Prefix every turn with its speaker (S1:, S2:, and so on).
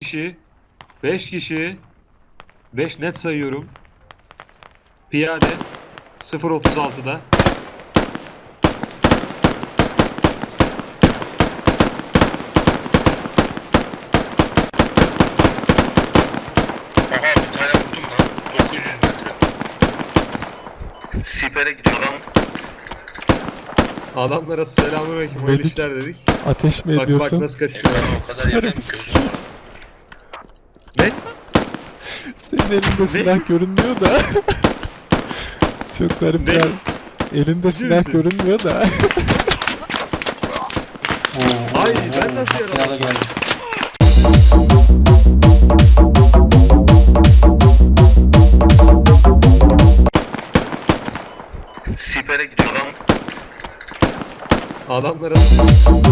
S1: kişi. 5 kişi. 5 net sayıyorum. Piyade 0.36'da.
S2: Aha bir tane vurdum lan. 900 metre. Sipere gidiyor lan.
S1: Adamlara selamünaleyküm, hayırlı
S3: Medik.
S1: işler dedik.
S3: Ateş mi
S1: Bak bak
S3: ediyorsun?
S1: nasıl kaçıyor.
S2: O kadar yerden
S3: Karımı
S2: gözüm.
S3: sikiyorsun.
S1: Ne?
S3: Senin elinde silah görünmüyor da. Çok garip
S1: Ne?
S3: ya. Elinde silah
S1: misin?
S3: görünmüyor da.
S1: Ay ben nasıl yaraladım?
S2: Sipere gidiyor lan.
S1: Adamlara